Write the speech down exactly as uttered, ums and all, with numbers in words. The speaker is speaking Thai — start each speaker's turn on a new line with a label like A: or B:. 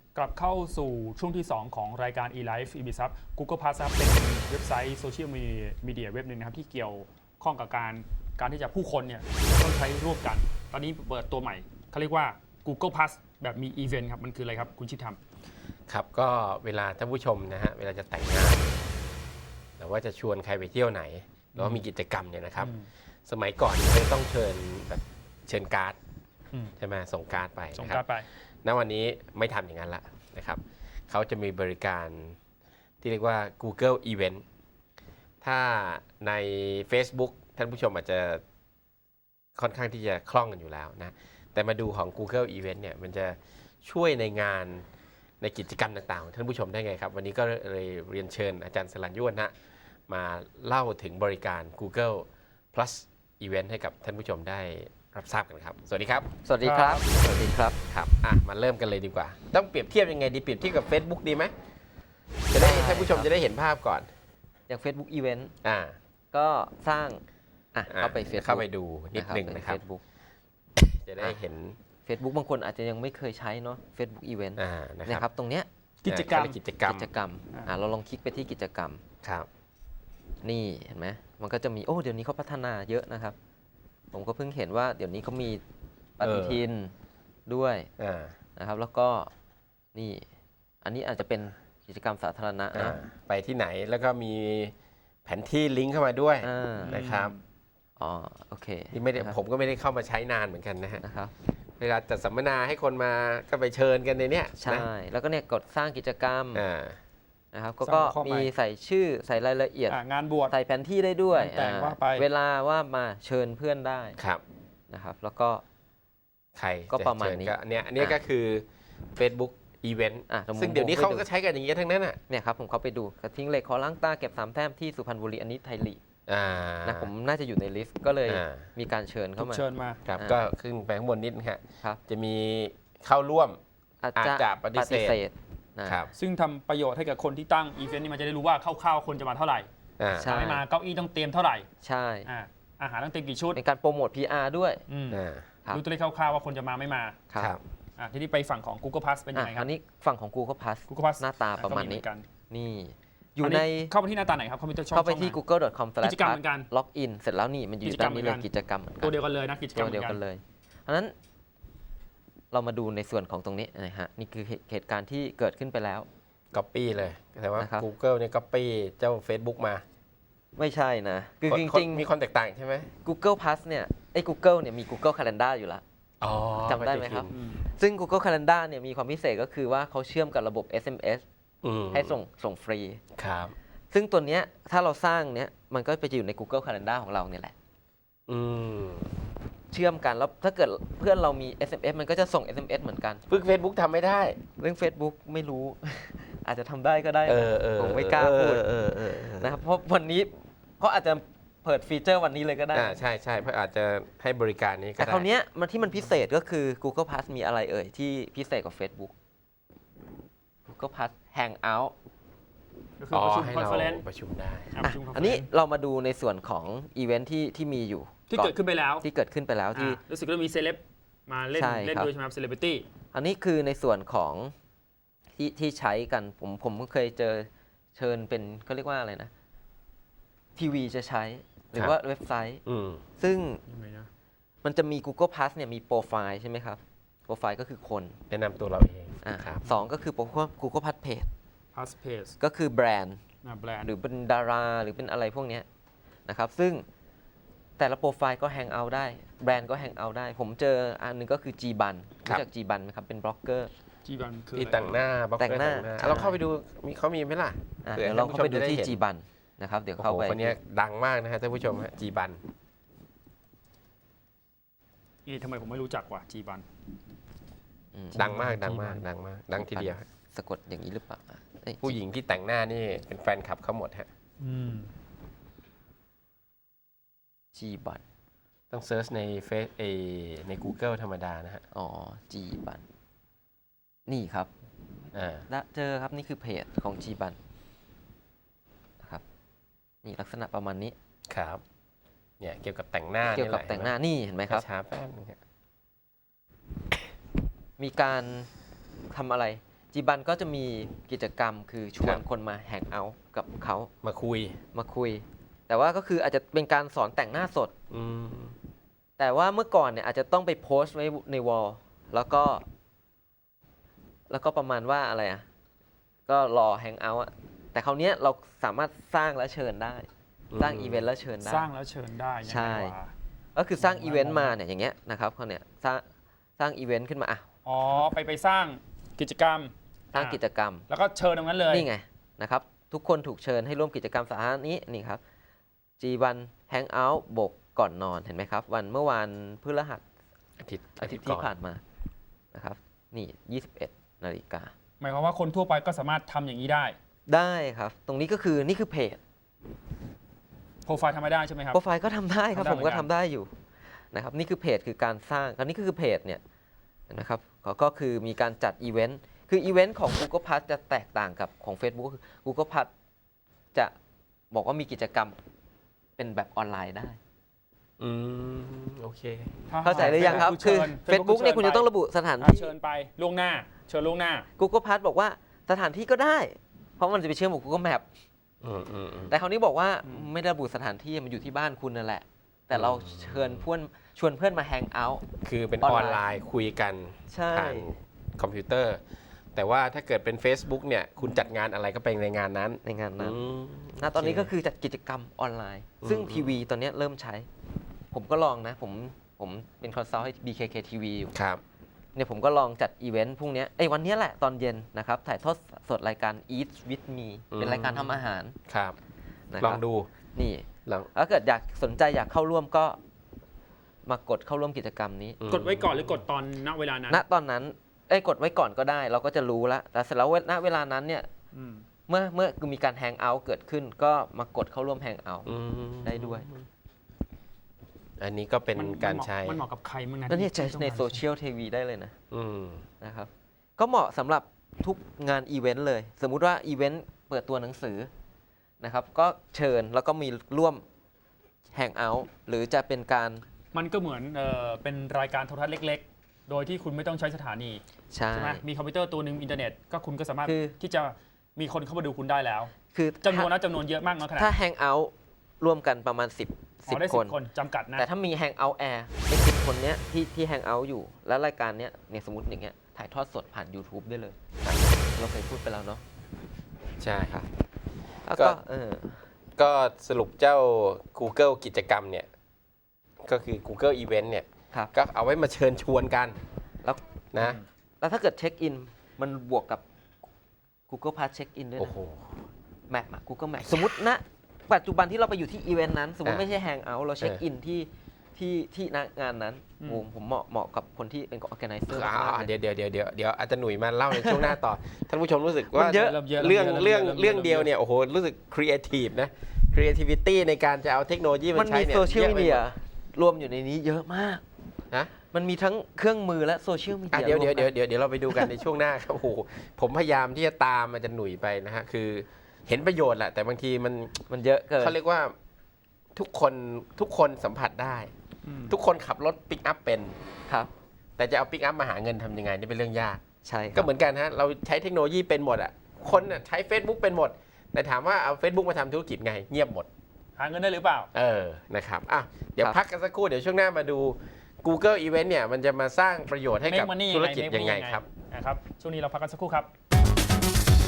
A: กลับเข้าสู่ช่วงที่สองของรายการ eLife อี บี ซับ Google Plus ครับเป็นเว็บไซต์โซเชียลมีเดียเว็บหนึ่งนะครับที่เกี่ยวข้องกับการการที่จะผู้คนเนี่ยต้องใช้ร่วมกันตอนนี้เปิดตัวใหม่เขาเรียกว่า Google Plus แบบมีอีเวนต์ครับมันคืออะไรครับคุณชิดทำ
B: ครับก็เวลาท่านผู้ชมนะฮะเวลาจะแต่งงานหรือว่าจะชวนใครไปเที่ยวไหนหรือว่ามีกิจกรรมเนี่ยนะครับสมัยก่อนไม่ต้องเชิญแบบเชิญการ์ดใช่ไหมส่งการ์ดไป
A: ส่งการ์ดไป
B: ณวันนี้ไม่ทำอย่างนั้นละนะครับเขาจะมีบริการที่เรียกว่า Google Event ถ้าใน Facebook ท่านผู้ชมอาจจะค่อนข้างที่จะคล่องกันอยู่แล้วนะแต่มาดูของ Google Event เนี่ยมันจะช่วยในงานในกิจกรรมต่างๆของท่านผู้ชมได้ไงครับวันนี้ก็เลยเรียนเชิญอาจารย์สรัญยุวนะมาเล่าถึงบริการ Google Plus Event ให้กับท่านผู้ชมได้รับทราบกันครับสวัสดีครับ
C: สวัสดีครับสวัสดีครับ
B: ครับอ่ะมาเริ่มกันเลยดีกว่าต้องเปรียบเทียบยังไงดีเปรียบเทียบกับ Facebook ดีไหมจะได้ท่านผู้ชมจะได้เห็นภาพก่อน
C: อย่าง Facebook Event
B: อ่า
C: ก็สร้างอ่ะเข้าไป Facebook
B: เข้าไปดูนิดนึงนะครับ
C: Facebook
B: จะได้เห็น
C: Facebook บางคนอาจจะยังไม่เคยใช้เนาะ Facebook Event
B: อ่านะค
C: รับ ตรงเนี้ย
A: กิจกรรม
B: กิจกรรม
C: กิจกรรมอ่าเราลองคลิกไปที่กิจกรรม
B: ครับ
C: นี่เห็นไหมมันก็จะมีโอ้เดี๋ยวนี้เขาพัฒนาเยอะนะครับผมก็เพิ่งเห็นว่าเดี๋ยวนี้เขามีปฏิทินด้วยนะครับแล้วก็นี่อันนี้อาจจะเป็นกิจกรรมสาธารณะนะ
B: ไปที่ไหนแล้วก็มีแผนที่ลิงก์เข้ามาด้วยนะครับ
C: อ๋อโอเค
B: นี่ไม่ได้ผมก็ไม่ได้เข้ามาใช้นานเหมือนกันนะฮะ
C: นะครับ
B: เวลาจัดสัมมนาให้คนมาก็ไปเชิญกันในเนี้ย
C: ใช่แล้วก็เนี่ยกดสร้างกิจกรรมนะครับก็มีใส่ชื่อใส่รายละเอียด
A: งานบวช
C: ใส่แผนที่ได้ด้วยเวลาว่ามาเชิญเพื่อนได้
B: ครับ
C: นะครับแล้วก็
B: ใคร
C: ก็ประมาณนี้
B: อันนี้อันนี้ก็คือ Facebook Event ซึ่งเดี๋ยวนี้เขาก็ใช้กันอย่างนี้ทั้งนั้นอ่ะ
C: เนี่ยครับผมเข้าไปดูกระทิ้งเหล็กขอล้างตาเก็บสามแต้มที่สุพรรณบุรีอันนี้ไทยลีกนะผมน่าจะอยู่ในลิสต์ก็เลยมีการเชิญเข้ามา
A: เชิญมา
B: ครับก็ขึ้นไปข้างบนนิดนะครับจะมีเข้าร่วม
C: อาจจะปฏิเสธ
B: ครับ
A: ซึ่งทำประโยชน์ให้กับคนที่ตั้งอีเวนต์นี้มันจะได้รู้ว่าคร่าวๆคนจะมาเท่าไหร่ถ้าไม่มาเก้าอี้ต้องเตรียมเท่าไหร่
C: ใช่
A: อาหารต้องเตรียมกี่ชุด
C: ในการโปรโมท พี อาร์ ด้วย
A: รู้ตัวเลขคร่าวๆว่าคนจะมาไม่มา
C: ครับ
A: ทีนี้ไปฝั่งของ Google Plus เป็นยังไงครับ
C: อันนี้ฝั่งของ Google Plus
A: Google Plus
C: หน้าตาประมาณนี้นี่อยู่ใน
A: เข้าไปที่หน้าตาไหนครับเข้าไปที่ช่อง
C: เข้าไปที่ กูเกิล ดอท คอม สแลช
A: กิจกรรมเหมือนกัน
C: ล็อกอินเสร็จแล้วนี่มันอยู่ด้านนี้เลยกิจกรรม
A: ตัวเดียวกันเลยนะกิจกรรม
C: เดียวกันเลยเพราะฉะนั้นเรามาดูในส่วนของตรงนี้นะฮะนี่คือเหตุการณ์ที่เกิดขึ้นไปแล้ว
B: Copy เลยแต่ว่า Google เนี่ย Copy เจ้า Facebook มา
C: ไม่ใช่นะคือจริง
B: ๆมีคนแตกต่างใช่ไหม
C: Google Plus เนี่ยไอ้ Google เนี่ยมี Google Calendar อยู่แล้วจำได้ไหมครับซึ่ง Google Calendar เนี่ยมีความพิเศษก็คือว่าเขาเชื่อมกับระบบ เอส เอ็ม เอส ให้ส่งส่งฟรี
B: ครับ
C: ซึ่งตัวเนี้ยถ้าเราสร้างเนี้ยมันก็ไปอยู่ใน Google Calendar ของเราเนี่ยแหละเชื่อมกันแล้วถ้าเกิดเพื่อนเรามี เอส เอ็ม เอส มันก็จะส่ง เอส เอ็ม เอส เหมือนกัน
B: เพิ่ง Facebook ทำไม่ได้
C: เรื่อง Facebook ไม่รู้ อาจจะทำได้ก็ได้ผมไม่กล้าพูดนะครับเพราะวันนี้เขาอาจจะเปิดฟีเจอร์วันนี้เลยก็ได้
B: ใช่ใช่เพราะอาจจะให้บริการนี้ก็ได้
C: แต่คราวนี้มันที่มันพิเศษก็คือ Google Plus มีอะไรเอ่ยที่พิเศษกว่า Facebook Google Plus Hangout
A: ก็คือประชุมคอนเฟอเรนซ์
B: ประชุมได้
C: อันนี้เรามาดูในส่วนของอีเวนท์ที่ที่มีอยู่
A: ที่เกิดขึ้นไปแล้ว
C: ที่เกิดขึ้นไปแล้วที่
A: รู้สึกว่ามีเซเลบมาเล่นเล่นด้วยใช่ไหมครับเซเลบริตี้
C: อันนี้คือในส่วนของที่ที่ใช้กันผมผมเคยเจอเชิญเป็นเขาเรียกว่าอะไรนะทีวีจะใช้หรือว่าเว็บไซต์ซึ่งมันจะมี Google Plus เนี่ยมีโปรไฟล์ใช่ไหมครับโปรไฟล์ก็คือคน
B: แนะนำตัวเราเอง
C: สองก็คือ Google Plus Page
A: Plus Page
C: ก็คือแบรนด์
A: ห
C: รือเป็นดาราหรือเป็นอะไรพวกนี้นะครับซึ่งแต่ละโปรไฟล์ก็แฮงเอาท์ได้แบรนด์ก็แฮงเอาท์ได้ผมเจออันนึงก็คือ Gban รู้จัก Gban ไหมครับเป็นบล็อกเกอร์
A: Gban คือ
B: ที่แต่งหน้า
C: แต่งหน้า
B: เราเข้าไปดูมีเขามีไหมล่ะ
C: เดี๋ยวเราเข้าไปดูที่ Gban นะครับเดี๋ยวเข้าไป
B: คนนี้ดังมากนะฮะท่านผู้ชมฮะ Gban
A: นี่ทำไมผมไม่รู้จักว่ะ Gban
B: ดังมากดังมากดังมากดังทีเดียว
C: สะกดอย่างนี้หรือเปล่า
B: ผู้หญิงที่แต่งหน้านี่เป็นแฟนคลับเขาหมดฮะ
C: Gban
B: ต้องเซิร์ชในเฟซเอใน Google ธรรมดานะฮะ
C: อ๋อ Gban นี่ครับเจอครับนี่คือเพจของ Gban นะครับนี่ลักษณะประมาณนี้
B: ครับเนี่ยเกี่ยวกับแต่งหน้า
C: เกี่ยวกับแต่งหน้านี่เห็นไหมครับ
B: ช้าแป๊บนึง
C: มีการทำอะไรจีบันก็จะมีกิจกรรมคือชว
B: ครั
C: น
B: บ
C: คนมาแฮงเอาท์กับเขา
B: มาคุย
C: มาคุย แต่ว่าก็คืออาจจะเป็นการสอนแต่งหน้าสด
B: อืม
C: แต่ว่าเมื่อก่อนเนี่ยอาจจะต้องไปโพสต์ไว้ในวอลแล้วก็ แล้วก็ประมาณว่าอะไรอ่ะ ก็รอแฮงเอาท์อ่ะ แต่คราวเนี้ยเราสามารถสร้างและเชิญได้ สร้างอีเวนต์แล้วเชิญได้
A: สร้างแล้วเชิญได้ยัง
C: ใช่
A: ไงวะ
C: ก็คือสร้าง
A: ผมว่า
C: อีเวนต์มาเนี่ยอย่างเงี้ยนะครับเขาเนี่ยสร้างสร้างอีเวนต์ขึ้นมาอ่ะ
A: อ๋อไปไปสร้างกิจกรรม
C: สร้างกิจกรรม
A: แล้วก็เชิญตรงนั้นเลย
C: นี่ไงนะครับทุกคนถูกเชิญให้ร่วมกิจกรรมสาธารณะนี้นี่ครับ จี วัน Hangout บกก่อนนอนเห็นไหมครับ วันเมื่อวานพฤหัส
B: อาทิตย์
C: อาทิตย์ที่ผ่านมานะครับนี่ยี่สิบเอ็ดนาฬิกา
A: หมายความว่าคนทั่วไปก็สามารถทำอย่างนี้ได้
C: ได้ครับ ตรงนี้ก็คือนี่คือเพจ
A: โปรไฟล์ทำไม่ได้ใช่ไหมครับ
C: โปรไฟล์ก็ทำได้ครับ
A: ทำได้
C: ผมก็
A: เหมือนกัน
C: ทำได้อยู่นะครับนี่คือเพจคือการสร้างคราวนี้ก็คือเพจเนี่ยนะครับเขาก็คือมีการจัดอีเวนต์คืออีเวนต์ของ Google Plus จะแตกต่างกับของ Facebook ก็คือ Google Plus จะบอกว่ามีกิจกรรมเป็นแบบออนไลน์ได้
B: อืมโอเค
C: เข้าใจหรือยังครับ คือ Facebook เนี่ยคุณจะต้องระบุสถาน
A: อ่ะ
C: ที่
A: เชิญไปล่วงหน้า เชิญล่วงหน้า
C: Google Plus บอกว่าสถานที่ก็ได้ เพราะมันจะไปเชื่อมกับ Google Map
B: อืมอืมอืม
C: แต่คราวนี้บอกว่า
A: อืม
C: ไม่ได้ระบุสถานที่มันอยู่ที่บ้านคุณนั่นแหละ แต่เราเชิญเพื่อนชวนเพื่อนมาแฮงเอาท์
B: คือเป็น
C: อ
B: อ
C: อ
B: อน น
C: ไล
B: ไล
C: น์
B: น์คุยกัน
C: ใช่
B: ผ่านคอมพิวเตอร์ แต่ว่าถ้าเกิดเป็น Facebook เนี่ยคุณจัดงานอะไรก็ไปในงานนั้น
C: ในงานนั้น
B: อืม
C: ณตอนนี้
B: โเค
C: ก็คือจัดกิจกรรมออนไลน์
B: อืม
C: ซึ่ง
B: อืม
C: ทีวีตอนนี้เริ่มใช้ ผมก็ลองนะ ผมผมเป็นคอนซัลท์ให้ บี เค เค ที วี อยู่
B: ครับ
C: เนี่ยผมก็ลองจัดอีเวนต์พรุ่งนี้ไอ้ยวันนี้แหละตอนเย็นนะครับ ถ่ายทอดสดรายการ Eat with me
B: อืม
C: เป็นรายการทำอาหาร
B: ครับ
C: นะค
B: ล
C: รั
B: อบ งดู
C: นี่
B: ลอง
C: ถ้าเกิดอยากสนใจอยากเข้าร่วมก็มากดเข้าร่วมกิจกรรมนี้
B: อืม
A: กดไว้ก่อนหรือกดตอนณเวลานั้น
C: ณตอนนั้นเอ้ยกดไว้ก่อนก็ได้ เราก็จะรู้แล้วแต่เสร็จแล้วณเวลานั้นเนี่ย
A: อืม
C: เมื่อเมื่อมีการแฮงเอาท์เกิดขึ้น ก็มากดเข้าร่วมแฮงเอาท์
B: อืม
C: ได้ด้วย
B: อันนี้ก็เป็น
A: มัน
B: การ
A: มันเหมาะ
B: ใช้
A: มันเหมาะกับใครมั้งนะ
C: แล้วเนี่ย
A: ที่
C: ใช้ใน
A: ต้องการ
C: โซเชียลทีวีได้เลยนะ
B: อืม
C: นะครับก็เหมาะสำหรับทุกงานอีเวนต์เลย สมมุติว่าอีเวนต์เปิดตัวหนังสือนะครับก็เชิญแล้วก็มีร่วมแฮงเอาท์หรือจะเป็นการ
A: มันก็เหมือนเอ่อเป็นรายการโทรทัศน์เล็ก ๆ โดยที่คุณไม่ต้องใช้สถานี
C: ใช่
A: ใช่ไหมมีคอมพิวเตอร์ตัวหนึ่งอินเทอร์เน็ตก็คุณก็สามารถ
C: คือ
A: ที่จะมีคนเข้ามาดูคุณได้แล้ว
C: คือ
A: จำนวนนะจำนวนเยอะมากน้อยขนาด
C: ถ้า
A: ไหน
C: แฮงเอาท์ร่วมกันประมาณ 10
A: อ๋อได้
C: 10
A: สิ
C: ค
A: บ
C: น
A: คนจำกัดนะ
C: แต่ถ้ามีแฮงเอาท์แอร์ไอ้สิบคนเนี้ยที่ที่แฮงเอาท์อยู่ แล้วรายการเนี้ยเนี่ยสมมติอย่างเงี้ยถ่ายทอดสดผ่าน YouTube ได้เลย เราเคยพูดไปแล้วเนาะ
B: ใช่
C: ครับ แล้ว
B: ก็
C: ก็เออ
B: ก็สรุปเจ้า Google กิจกรรมเนี่ย ก็คือ Google Event เนี่ย
C: ครับ
B: ก็เอาไว้มาเชิญชวนกัน
C: แล้ว
B: นะ
C: แล้วถ้าเกิดเช็คอินมันบวกกับ Google Pass เช็คอินด้วย
B: โอ้
C: นะ
B: โห
C: แมปอะ Google Map สมมติณปัจจุบันที่เราไปอยู่ที่อีเวนต์นั้น สมมติ
B: อ่ะ
C: ไม่ใช่แฮงเอาท์เราเช็ค
B: เอออิ
C: อินที่ที่ที่ณงานนั้นโอ้ผมเหมาะเหมาะกับคนที่เป็น organizer
B: อ่าม
C: ากๆเลย
B: เดี๋ยวเดี๋ยวเดี๋ยวเดี๋ยวเดี๋ยวอาจจะหนุ่ยมาเล่าในช่วงหน้าต่อ ท่านผู้ชมรู้สึกว่า
C: มันเยอะ
A: เริ่มเยอะ
B: เรื่อง
A: ม
B: เรื่อง
A: ริ่ม
B: เรื่อง
A: ม
B: เดียวเนี่ยโอ้โหรู้สึกครีเอทีฟนะ creativity ในการจะเอาเทคโนโลยี
C: มั
B: มาน ใช้
C: มี
B: เนี่ย
C: โซเชียล
B: อะ
C: มี
B: ไป
C: เดี
B: ห
C: ย
B: ด
C: รวมอยู่ในนี้เยอะมาก
B: นะ
C: มันมีทั้งเครื่องมือและโซเชียลมี
B: อ่ะ
C: เดีย
B: เดี๋ยวเดี๋ยว
C: ร
B: เดี๋ยว
C: มกัน
B: เดี๋ยวเดี๋ยวเราไปดูกันในช่วงหน้าครับโอ้โหผมพยายามที่จะตามมันจะหนุ่ยไปนะฮะคือเห็นประโยชน์แหละแต่บางทีมัน
C: มันเยอะเกิน
B: เขาเรียกว่าทุกคนทุกคนสัมผัสได้
A: อืม
B: ทุกคนขับรถปิกอัพเป็น
C: ครับ
B: แต่จะเอาปิกอัพมาหาเงินทำยังไงนี่เป็นเรื่องยาก
C: ใช่ครับ
B: ก็เหมือนกันฮะเราใช้เทคโนโลยีเป็นหมดอ่ะคนน่ะใช้ Facebook เป็นหมด แต่ถามว่าเอา Facebook มาทำธุรกิจไงเงียบหมด
A: หาเงินได้หรือเปล่า
B: เออนะครับอ่ะเดี๋ยวพักกันสักครู่เดี๋ยวช่วงหน้ามาดู Google Event เนี่ยมันจะมาสร้างประโยชน์ให้กับ
A: Make money
B: ธุรกิจ
A: Make
B: ยังไง
A: money
B: ครับ
A: นะครับช่วงนี้เราพักกันสักครู่ครับ